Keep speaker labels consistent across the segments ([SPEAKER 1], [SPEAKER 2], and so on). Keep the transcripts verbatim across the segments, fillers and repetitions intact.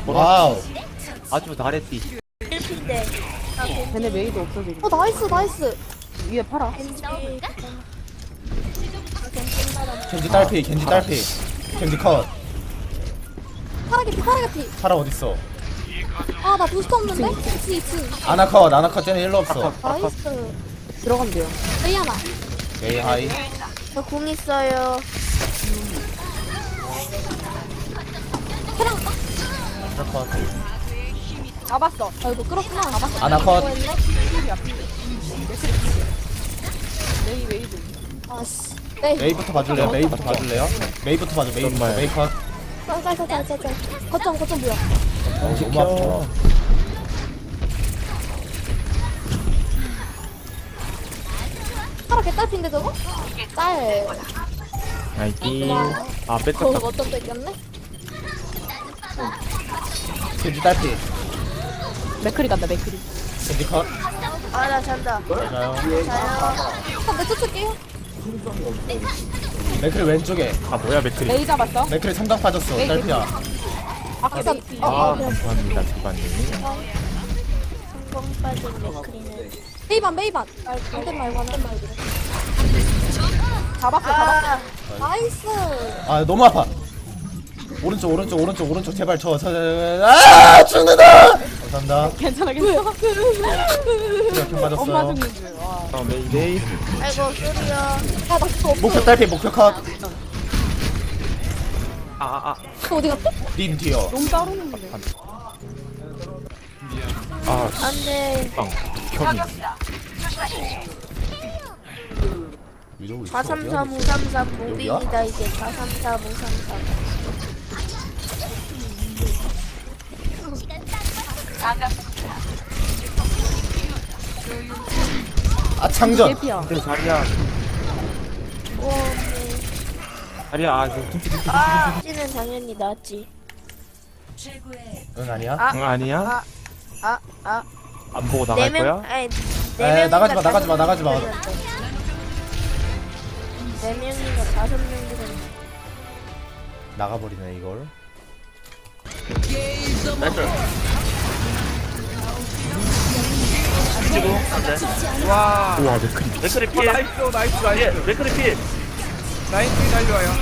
[SPEAKER 1] 와우.
[SPEAKER 2] 아주 잘했디.
[SPEAKER 3] 일피인데. 아, 겐지.
[SPEAKER 4] 쟤네 메이도 없어 지금.
[SPEAKER 5] 어 나이스 나이스.
[SPEAKER 4] 위에 팔아.
[SPEAKER 3] 겐지. 아, 겐지 나라.
[SPEAKER 1] 겐지 딸피, 겐지 딸피. 겐지 컷.
[SPEAKER 5] 파라게 피 파라게 피.
[SPEAKER 1] 파라 어딨어?
[SPEAKER 5] 아나 부스터 없는데? 이층 이층.
[SPEAKER 1] 아나 컷, 아나 컷 쟤네 일로 없어.
[SPEAKER 5] 나이스.
[SPEAKER 4] 들어가면 돼요.
[SPEAKER 5] 메이 하나.
[SPEAKER 1] 메이 하이.
[SPEAKER 3] 저 공 있어요.
[SPEAKER 5] 캐랑.
[SPEAKER 1] 파라 컷.
[SPEAKER 4] 잡았어.
[SPEAKER 5] 아이고 끌었구나. 잡았어.
[SPEAKER 1] 아나 컷.
[SPEAKER 4] 메이 메이도.
[SPEAKER 5] 아씨. 네.
[SPEAKER 1] 메이부터 봐줄래요? 메이부터 봐줄래요? 메이부터 봐줘, 메이부터.
[SPEAKER 2] 정말.
[SPEAKER 1] 메이 컷.
[SPEAKER 5] 짤짤짤짤짤. 거점 거점 뭐야?
[SPEAKER 1] 어, 너무 아파.
[SPEAKER 5] 파라 개딸핀데 저거? 짤.
[SPEAKER 2] 나이키. 아,
[SPEAKER 5] 거기
[SPEAKER 2] 뺏겼다.
[SPEAKER 5] 거점 뺏겼네?
[SPEAKER 1] 겐지 딸피.
[SPEAKER 4] 맥크리 간다 맥크리.
[SPEAKER 1] 겐지 컷.
[SPEAKER 3] 아, 나 잔다.
[SPEAKER 1] 맞아요.
[SPEAKER 3] 자요.
[SPEAKER 5] 한내 쫓을게요.
[SPEAKER 1] 맥크리 왼쪽에.
[SPEAKER 2] 아, 뭐야, 맥크리.
[SPEAKER 4] 메이 잡았어.
[SPEAKER 1] 맥크리 삼각 빠졌어.
[SPEAKER 4] 메이
[SPEAKER 1] 딸피야.
[SPEAKER 4] 아까
[SPEAKER 5] 어,
[SPEAKER 2] 아,
[SPEAKER 5] 어, 그래.
[SPEAKER 2] 감사합니다, 주관님.
[SPEAKER 3] 성공 빠진 맥크리는.
[SPEAKER 5] 메이반 메이반. 안된 말고 안된 말고.
[SPEAKER 4] 잡았어 잡았어.
[SPEAKER 3] 아,
[SPEAKER 5] 나이스.
[SPEAKER 1] 아, 너무 아파. 오른쪽, 오른쪽, 오른쪽, 오른쪽. 제발 저, 저, 저, 아! 죽는다! 감사합니다.
[SPEAKER 4] 괜찮아 괜찮아.
[SPEAKER 1] 이렇게
[SPEAKER 4] 엄마
[SPEAKER 1] 맞았어요.
[SPEAKER 4] 죽는 줄. 와.
[SPEAKER 2] 어, 메이, 메이.
[SPEAKER 3] 아이고, 쏘리요.
[SPEAKER 5] 아나 그거 없어.
[SPEAKER 1] 목표 딸피, 목표 컷.
[SPEAKER 2] 아, 아, 아.
[SPEAKER 5] 그거 어디 갔지?
[SPEAKER 1] 님 뒤요.
[SPEAKER 4] 너무 따르는데.
[SPEAKER 2] 아,
[SPEAKER 3] 안 돼.
[SPEAKER 2] 빵. 켜미.
[SPEAKER 3] 사삼삼 오삼삼 무빙이다, 이제. 사삼삼 오삼삼.
[SPEAKER 1] 아, 창전.
[SPEAKER 4] 예피야.
[SPEAKER 2] 근데 자리야.
[SPEAKER 3] 오, 네.
[SPEAKER 2] 자리야, 아, 그, 둠피, 둠피.
[SPEAKER 3] 아, 찌는 당연히 낫지.
[SPEAKER 1] 응, 아니야?
[SPEAKER 3] 아.
[SPEAKER 2] 응, 아니야?
[SPEAKER 3] 아, 아, 아.
[SPEAKER 2] 안 보고 나갈
[SPEAKER 3] 네
[SPEAKER 2] 거야?
[SPEAKER 3] 명, 아니,
[SPEAKER 1] 에,
[SPEAKER 3] 네 명인가
[SPEAKER 1] 나가지 마, 나가지 마,
[SPEAKER 3] 다섯
[SPEAKER 1] 나가지 마.
[SPEAKER 3] 명 들었는데. 네 명인가 다섯 명 들었는데.
[SPEAKER 1] 나가버리네, 이걸.
[SPEAKER 6] 와
[SPEAKER 2] 우와, 맥크리.
[SPEAKER 6] 맥크리 필 나이스 나이스 나이스 맥크리 필 라인 필 달려와요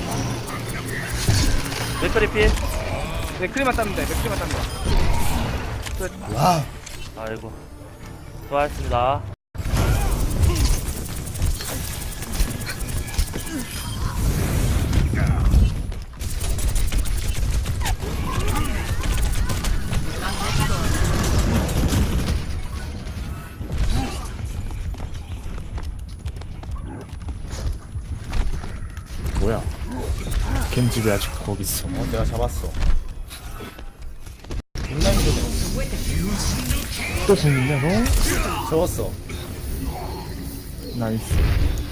[SPEAKER 6] 맥크리 필 맥크리만 따면 돼 맥크리만 따면 돼
[SPEAKER 1] 와.
[SPEAKER 6] 아이고 수고하셨습니다
[SPEAKER 2] 뭐야? 겐지 왜 아직 거기 있어?
[SPEAKER 1] 어, 내가 잡았어. 존나 힘드네.
[SPEAKER 2] 또 죽는냐, 너?
[SPEAKER 1] 재웠어.
[SPEAKER 2] 나이스.